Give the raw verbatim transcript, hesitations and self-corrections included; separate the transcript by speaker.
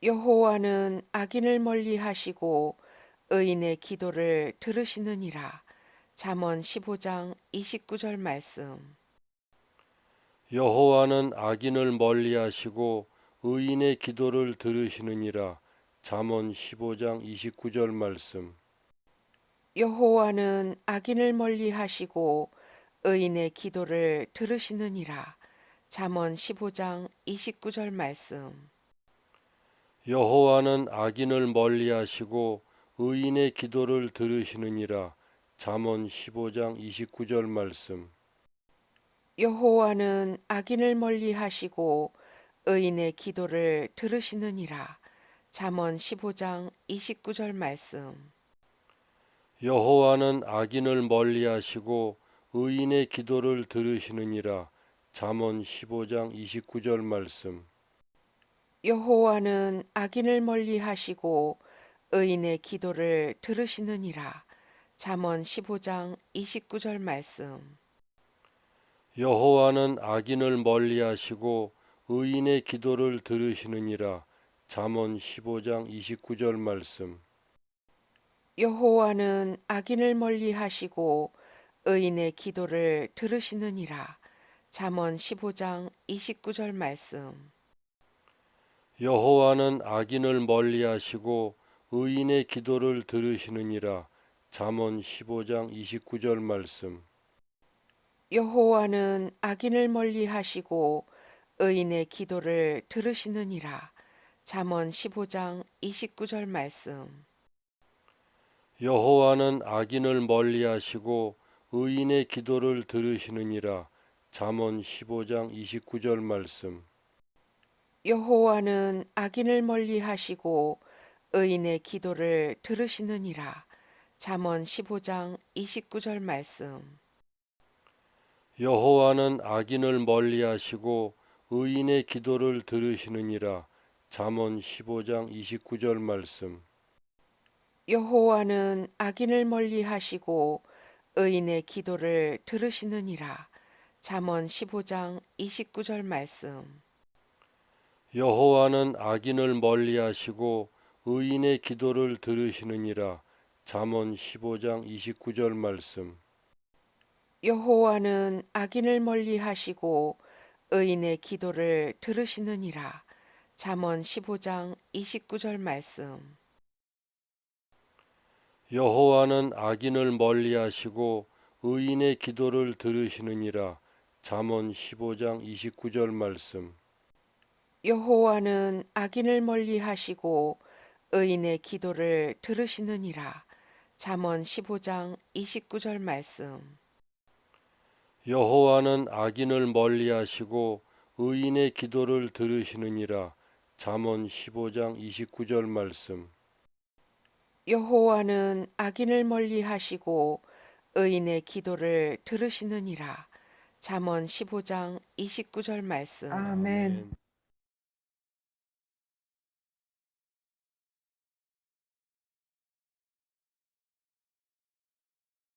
Speaker 1: 여호와는 악인을 멀리하시고 의인의 기도를 들으시느니라. 잠언 십오 장 이십구 절 말씀.
Speaker 2: 여호와는 악인을 멀리하시고 의인의 기도를 들으시느니라. 잠언 십오 장 이십구 절 말씀.
Speaker 1: 여호와는 악인을 멀리하시고 의인의 기도를 들으시느니라. 잠언 십오 장 이십구 절 말씀.
Speaker 2: 여호와는 악인을 멀리하시고 의인의 기도를 들으시느니라. 잠언 십오 장 이십구 절 말씀.
Speaker 1: 여호와는 악인을 멀리하시고 의인의 기도를 들으시느니라. 잠언 십오 장 이십구 절 말씀.
Speaker 2: 여호와는 악인을 멀리하시고 의인의 기도를 들으시느니라. 잠언 십오 장 이십구 절 말씀.
Speaker 1: 여호와는 악인을 멀리하시고 의인의 기도를 들으시느니라. 잠언 십오 장 이십구 절 말씀.
Speaker 2: 여호와는 악인을 멀리하시고 의인의 기도를 들으시느니라. 잠언 십오 장 이십구 절 말씀.
Speaker 1: 여호와는 악인을 멀리하시고 의인의 기도를 들으시느니라. 잠언 십오 장 이십구 절 말씀.
Speaker 2: 여호와는 악인을 멀리하시고 의인의 기도를 들으시느니라. 잠언 십오 장 이십구 절 말씀.
Speaker 1: 여호와는 악인을 멀리하시고 의인의 기도를 들으시느니라. 잠언 십오 장 이십구 절 말씀.
Speaker 2: 여호와는 악인을 멀리하시고 의인의 기도를 들으시느니라. 잠언 십오 장 이십구 절 말씀.
Speaker 1: 여호와는 악인을 멀리하시고 의인의 기도를 들으시느니라. 잠언 십오 장 이십구 절 말씀.
Speaker 2: 여호와는 악인을 멀리하시고 의인의 기도를 들으시느니라. 잠언 십오 장 이십구 절 말씀.
Speaker 1: 여호와는 악인을 멀리하시고 의인의 기도를 들으시느니라. 잠언 십오 장 이십구 절 말씀.
Speaker 2: 여호와는 악인을 멀리하시고 의인의 기도를 들으시느니라. 잠언 십오 장 이십구 절 말씀.
Speaker 1: 여호와는 악인을 멀리하시고 의인의 기도를 들으시느니라. 잠언 십오 장 이십구 절 말씀.
Speaker 2: 여호와는 악인을 멀리하시고 의인의 기도를 들으시느니라. 잠언 십오 장 이십구 절 말씀.
Speaker 1: 여호와는 악인을 멀리하시고 의인의 기도를 들으시느니라. 잠언 십오 장 이십구 절 말씀.
Speaker 2: 여호와는 악인을 멀리하시고 의인의 기도를 들으시느니라. 잠언 십오 장 이십구 절 말씀.
Speaker 1: 여호와는 악인을 멀리하시고 의인의 기도를 들으시느니라. 잠언 십오 장 이십구 절 말씀.
Speaker 3: 아멘.